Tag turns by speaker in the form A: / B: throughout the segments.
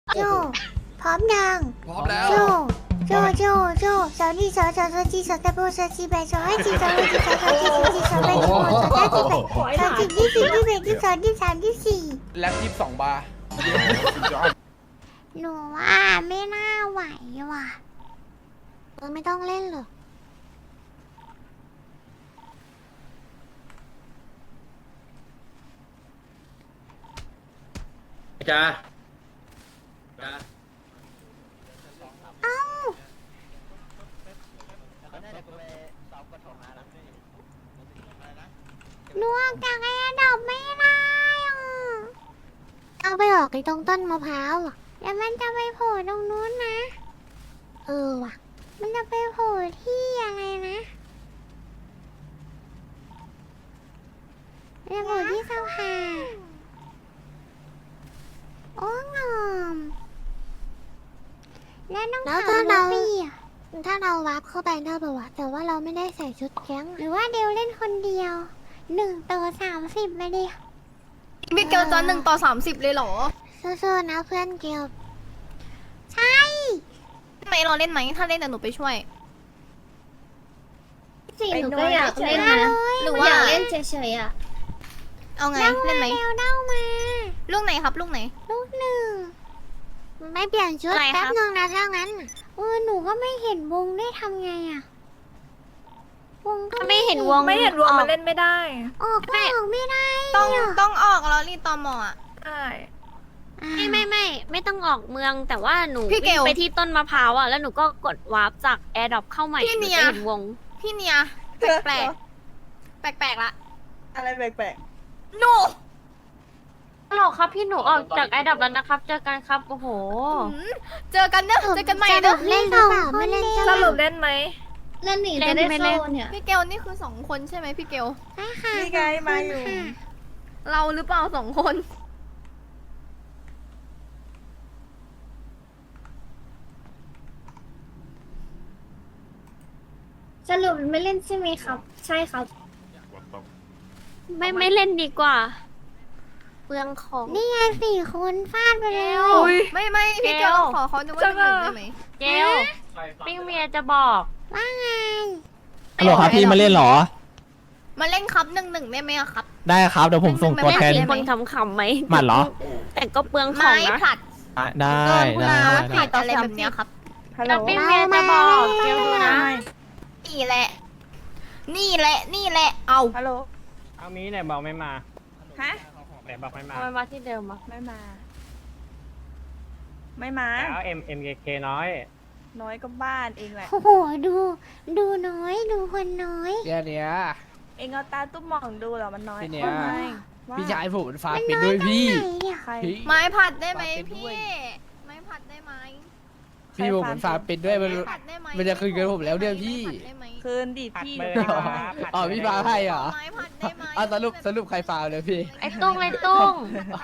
A: โจพร้อมยัง
B: พร้อมแล้ว
A: โจสาวนี่สาวจีสาวตะโบสาวจีแบสาวให้จีสาวให้จีสาวจีสาวแบสาวสาวจีแบสาวจีที่สี่ที่แบที่สองที่สามที่สี่
B: แล็บ22 บาร์
A: หนูว่าไม่น่าไหวว่ะไม่ต้องเล่นหรอก
C: จ้า
A: เอ้าหนูออกจากไอ้ดอกไม่ได้อ่ะเอาไปออกไอ้ตรงต้นมะพร้าวอ่ะแล้วมันจะไปโผล่ตรงนู้นนะว่ะมันจะไปโผล่ที่อะไรนะมันจะโผล่ที่สภาโอ้งอมแล้วน้องขาวเราถ้าเราวาร์ปเข้าไปได้ป่าวะแต่ว่าเราไม่ได้ใส่ชุดแก๊งหรือว่าเดวเล่นคนเดียว1:30ไปดิ
D: พี่เกลจะ1:30เลยเหรอ
A: สู้ๆนะเพื่อนเกลใช่
D: ไม่รอเล่นไหมถ้าเล่นเดี๋ยวหนูไปช่วย
E: จริงหนูก็อยากเล่นนะ
D: หรือ
E: อ
D: ว่า
E: ยากเล่นเฉยๆอ่ะ
D: เอาไงเล่นไหม
A: เดวเด้ามา
D: ลูกไหนครับลูกไหน
A: ลูกหนึ่งไม่เปลี่ยนชุด
D: อะไรครับ
A: แป๊บนึงนะถ้างั้นหนูก็ไม่เห็นวงได้ทำไงอะวงก็
E: ไม่เห็นวง
F: ไม่เห็นวงมันเล่นไม่ได้
A: ออกก็ออกไม่ได้
D: ต้องออกแล้วรีตอมอ่ะ
F: ใช่
E: ไม่ต้องออกเมืองแต่ว่าหนู
D: พี่เกล
E: วิ่งไปที่ต้นมะพร้าวอ่ะแล้วหนูก็กดวาร์ปจากแอร์ดรอปเข้าใหม่
D: พี่
E: ห
D: เนี
E: นู
D: ย
E: จะเห็นวง
D: พี่เนียแปลกแปลกละ
F: อะไรแปลก
D: หนู
E: ฮัลโหลครับพี่หนูออกจากแอร์ดรอปแล้วนะครับเจอกันครับโอ้โห
D: เจอกันเนอะเจอกันใหม่เนอะ
A: เล่นหรือเปล่าไม่เล่น
F: ๆสรุปเล่นไหม
E: เล่นหนีจะได้เข้าเนี่ย
D: พี่เกลนี่คือ2 คนใช่ไหมพี่เกล
A: ใช่ค่ะ
F: นี่ไงมาอยู่
D: เราหรือเปล่า2 คน
E: สรุปไม่เล่นใช่ไหมครับ ใช่ครับ ไม่เล่นดีกว่าเปลืองของ
A: นี่ไง4 คนฟาดไปแล้ว
D: ไม่พี่เกลขอเขาดูว่าเป็น1ได้ไหม
E: เกลปิ้งเมียจะบอก
A: ว่าไง
G: ฮัลโหลครับพี่มาเล่นเหรอ
D: มาเล่นครับ1ได้ไหมอะครับ
G: ได้ครับเดี๋ยวผมส่งตัวแทน
D: ได้
E: มี
D: ไหม
E: คนขำๆไหม
G: หมัดเหรอ
E: แต่ก็เปลืองของ
D: ไม้
E: นะ
D: ผลัด
G: ได้
D: โดนกุ
G: ได้
D: ลา
G: ได้
D: ผลัดอะไรแบบเนี้ยครับ
F: ฮัลโหล
E: แล้วปิ้งเมียจะบอกเกลดูนะ
D: นี่แหละ นี่แหละ นี่แหละ เอา
F: ฮัลโหล
C: เอามีไหนบอกไม่มา
F: ฮะ
C: ไหนบอกไม่มา
E: ทำไมมาที่เดิมอ่ะ
F: ไม่มา ไม่มา
C: แล้ว MKK น้อย
F: น้อยก็บ้านเองแหละ
A: โอ้โหดูน้อยดูคนน้อย
B: เดี๋ยวเนี้ย
F: เองเอาตาตุ้มมองดูเหรอมันน้อย
B: พี่เนี่ย
F: ทำไมว่า
B: พี่ชายผมมันฟาร์มเป็นด้วยพี่
A: ไหนเนี่ย
F: ใคร
B: พี่
D: ไม้ผัดได้ไหม
B: เป็นด้
D: พี่
B: วย
D: ไม้ผัดได้ไหม
B: พี่ผมมันฟาร์มเป็นด้วยมัน
D: ไม้ผัดได้ไหม
B: มันจะคืนเงินผมแล้วเนี่ยพี่
D: ไม้ผัดได้ไหม
F: คืนดิพี่
C: ผัด
F: เดี๋
C: เบ
F: ยว
C: อร์
F: ไป
C: ให้
F: เอา
C: มา
B: อ๋อพี่ฟาร์มให้เหรอ
D: ไม้ผัดได้ไหม
B: อ่ะสรุปใครฟาร์มเลยพี่
E: ไอ้ตุ้งไอ้ตุ้ง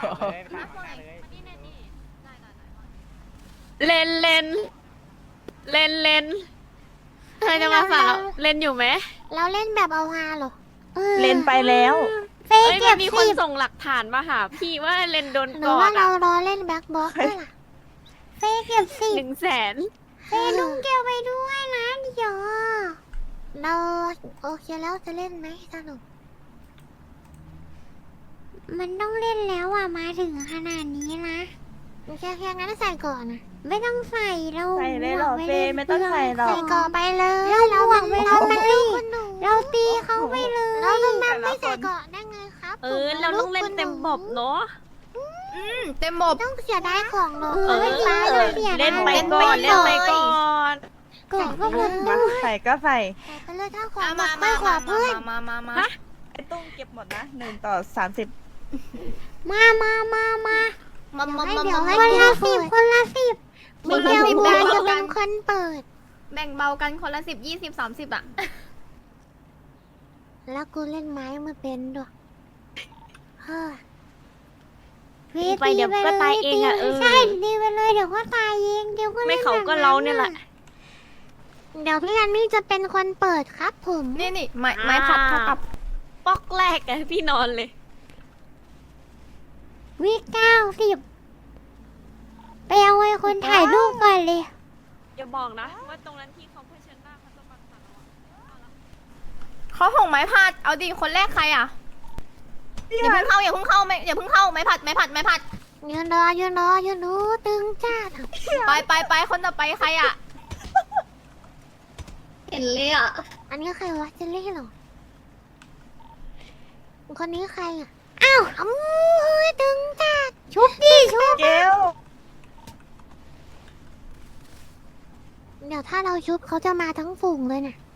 E: เล่นเล่นเล่นเล่นเธอจะมาฝากเราเล่นอยู่ไหม
A: เราเล่นแบบเอาฮาเหรอ
F: เล่นไปแล้ว
A: เฟ
E: เอ้
A: ย
E: ย
A: เก็
E: มั
A: บ
E: นมีค
A: สิ
E: น
A: บ
E: ส่งหลักฐานมาหาพี่ว่าเล่นโดน
A: หรื
E: ก่
A: อ
E: อ
A: ว่าน เรา
E: อะ
A: รอเล่นแบ็คบ็อกซ์ด้วยล่ะเฟยเก็บสิบ
E: 100,000
A: เฟยลุงเกลไปด้วยนะเดี๋ยวเราโอเคแล้วจะเล่นไหมสรุปมันต้องเล่นแล้วอ่ะมาถึงขนาดนี้นะแค่งั้นใส่ก่อนนะไม่ต้องใส่เรา
F: ใส่เลยเหรอเฟย์ไม่ต้องใส่หรอก
A: ใส่ก่อนไปเลยเราหวังเราตีเราตีเขาไปเลยเราต้องทำไม่ใส่ก่อนได้ไงครับ
E: เราต้องเล่นเต็มบบเนาะ
D: เต็มบบ
A: ต้องเสียดายของเหรอ
E: เล่นไปก่อนเล่นไปก่อน
A: ก่อนก็หมด
F: มาใส่ก็ใส่
A: ไปเลยถ้าของหม
D: มา
A: ด
D: มา
A: ค่อยขอ
D: มา
A: เพื่อน
D: มา
F: ไอ้ตุ้งเก็บหมดนะ1:30
A: มา
D: มา
A: เดี๋ยวให้คนละ10คนละ10ไม่เดียวบัวจะเป็นคนเปิด
D: แบ่งเบากันคนละ10 20 30อ่ะ
A: แล้วกูเล่นไม้มาเป็นด้วยเฮ้ย
E: ไปเดี๋ยวก็ตายเองอะ
A: ใช่ดีไปเลยเดี๋ยวก็ตายเองเดี๋ยวก็
E: ไม่เขาก็เราเนี่ยแหละ
A: เดี๋ยวพี่อันนี่จะเป็นคนเปิดครับผม
D: นี่ไม้ผัดเท่ากับ
E: ป๊อกแรกอะพี่นอนเลย
A: วิ90ไปเอาคนถ่ายรูปก่อนเลย
E: อย่าบอกนะว่าตรงนั้นที่เขาเผชิญหน้าเขาจะบังคับเราอะ
D: เขาห่งไม้ผัด เอาดิคนแรกใครอ่ะ อย่าเพิ่งเข้าอย่าเพิ่งเข้าไม่อย่าเพิ่งเข้าไม้ผัดไม้ผัดไม้ผัด
A: ยืนรอยืนรอยืนดูตึงจ้า
D: ไปคนต่อไปใครอ่ะ
H: เห็นเลยอ่ะ
A: อันนี้ใครวะเจลลี่เหรอคนนี้ใครอ่ะอ้าวตึงจ้าชุบดิชุบ
F: เกล
A: เดี๋ยวถ้าเราชุบเขาจะมาทั้งฝูงเลยน่ะ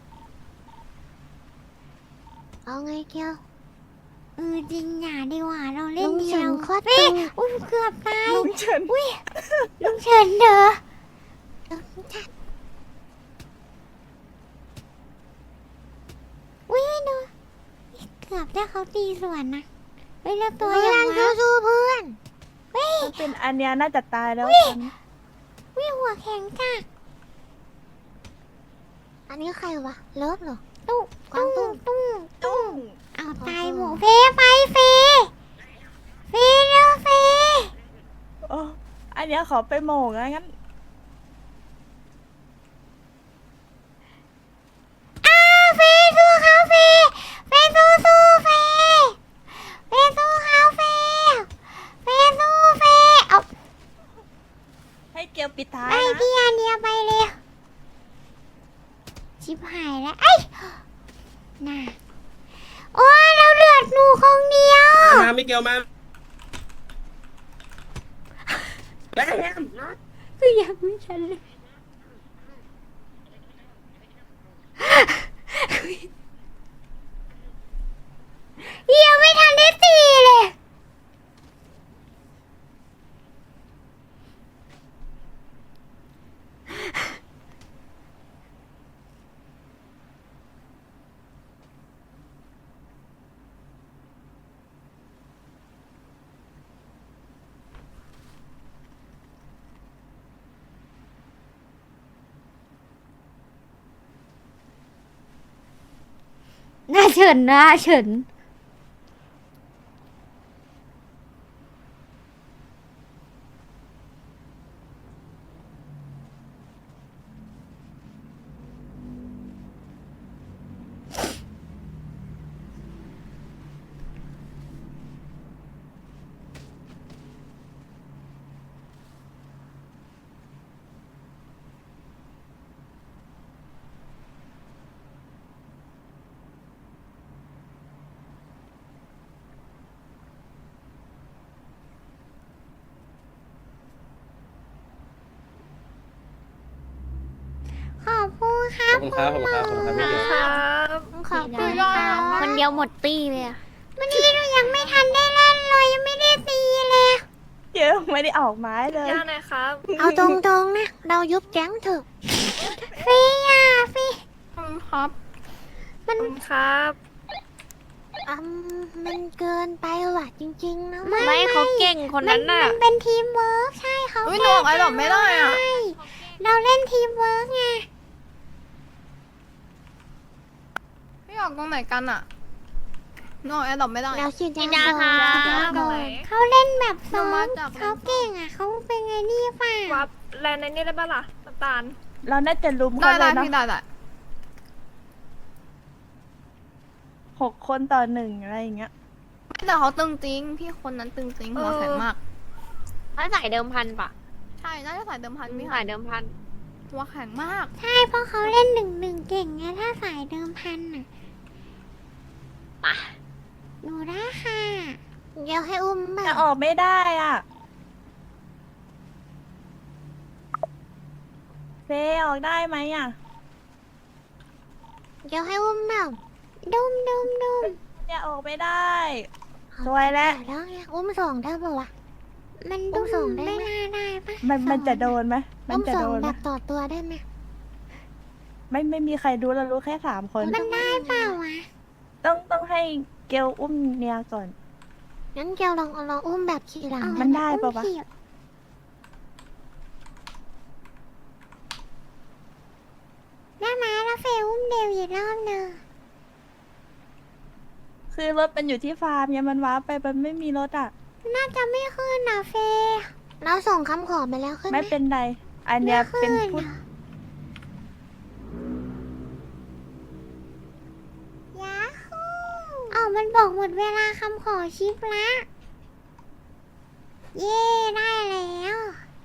A: เอาไงเกียวจริงอย่าดีกว่าเราเล่นเดียวโคตรตึงอุ้ยเกือบตาย
F: ลุงเฉิน
A: อุ้ยลุงเฉินเด้ออุ้ยดูเกือบได้เขาตีสวนนะเฮ้ยแล้วตัวยังสู้เพื่อนเฮ้ย
F: ถ้าเป็นอันเนี้ยน่าจะตายแล้วตอนนี้
A: วิหัวแข็งจ้ะอันนี้ใครวะเลิฟเหรอตุ้กวางตุ้ง
F: ตุ้ง
A: เอาตายหมูเฟไปเฟเร็วเฟ
F: โอ้อันเนี้ยขอไปโหม่งแล้วงั้น
A: เฟสู้เขาเฟสู้เฟสู้เขาเฟสู้เฟเอา
F: ให้เกลปิดท้าย
A: ไอ้
F: นะ
A: พี่อันเดียไปเลยชิบหายแล้วไอ้น่ะโอ้ยเราเลือดหนูคนเดียว
I: มามิเกลมาแบม
A: คือยังไม่ทันเลยยังไม่ทันได้ตีเลย น่าเฉินขอบคุณครับ
I: ขอบคุณครับขอบคุณครับขอบคุณครับมิเกล
E: ครับ
A: ขอบคุณครับคนเดียวหมดตีเลยอะวันนี้เรายังไม่ทันได้เล่นเลยยังไม่ได้ตีเลย
F: เกลไม่ได้ออกไม้เลย
E: ย่าหน่อยครับ
A: เอาตรงๆนะ เรายุบแก๊งเถอะฟรีอ่ะฟรี
D: ครับ
A: มัน
E: ครับ
A: มันเกินไปว่ะจริงๆนะ
E: ไม่เขาเก่งคนนั้นน่ะ
A: มันเป็นทีมเวิร์กใช่เขา
D: อุ้ยหนูออกไอ้ดอกไม่ได้อ่ะ
A: ใช่เราเล่นทีมเวิร์กไง
D: พี่ออกตรงไหนกันอ่ะหนูออกไอ้ดอกไม่ได้
A: เราฉีด
E: ฉีด
A: ยาย
E: า
A: ก่อน
E: ครับ
A: ก่อนเขาเล่นแบบซ้อ
D: เรามาม จาก
A: เขาเก่งอ่ะเขาเป็นไงนี่ป่ะ
E: วับแลนในนี่ได้ปะล่ะน้ำตาล
F: เราน่าจะลุม
D: ได้
F: เขาเลยเนาะ
D: พี่ได้
F: 6 คนต่อ 1อะไรอย่างเงี้ย
D: แต่เขาตึงจริง พี่คนนั้นตึงจริงหัวแข็งมาก
E: ถ้าใส่เดิมพันปะ
D: ใช่น่าจะใส่เดิมพันพี่
E: ใส่เดิมพัน
D: หัวแข็งมาก
A: ใช่เพราะเขาเล่น1-1เก่งไงถ้าสายเดิมพันอ่ะหนูได้ค่ะเดี๋ยวให้อุ้มแบ
F: แต่
A: บ
F: ออกไม่ได้อ่ะ เฟออกได้ไหมอ่ะ
A: เดี๋ยวให้อุ้มแบบดุม
F: เนี่ยออกไม่ได้ สวยแล้ว
A: แล้วไงอุ้มส่งได้ปะวะมันดุมส่งได้ไม่น่าได้ปะ
F: มันจะโดนไหมมัน
A: อุ้ม
F: จะ
A: ส่
F: โด
A: ง
F: นไห
A: แบ
F: ม
A: บต่อตัวได้ไหม
F: ไม่มีใครรู้เรารู้แค่3 คน
A: มันได้เปล่าวะ
F: ต้องให้เกลอุ้มเนียก่อน
A: งั้นเกียวลองอุ้มแบบขี่หลัง
F: มันได้ปะวะ
A: อุ้มขี่ได้ไหมแล้วเฟยอุ้มเดวอีกรอบหนึ่ง
F: คือรถมันอยู่ที่ฟาร์มเนี่ยมันว้าร์ปไปมันไม่มีรถอ่ะ
A: น่าจะไม่ขึ้นนะเฟยเราส่งคำขอไปแล้วขึ้นห
F: ไม่เป็นไร อันเนี้ยเป็น
A: ไม่
F: พู
A: ขึ้
F: ด
A: ยาฮูมันบอกหมดเวลาคำขอชิปละ เย่ได้แล้ว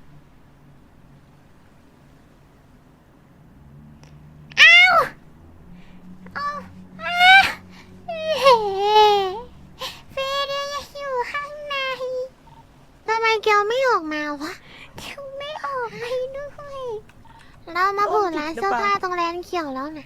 A: อ้าวเอาเฟเดียอยู่ข้างในทำไมเกียวไม่ออกมาวะเกียวไม่ออกไปด้วยเรามาโผล่ร้านเสื้อผ้าตรงแลนด์เขียวแล้วนะ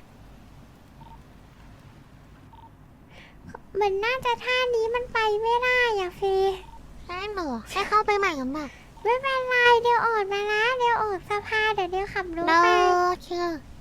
A: มันน่าจะท่านี้มันไปไม่ได้อะเฟได้หรอให้เข้าไปใหม่กันบ้างไม่เป็นไรเดี๋ยวออกมานะเดี๋ยวออกสภาเดี๋ยวขับรถไปโอเค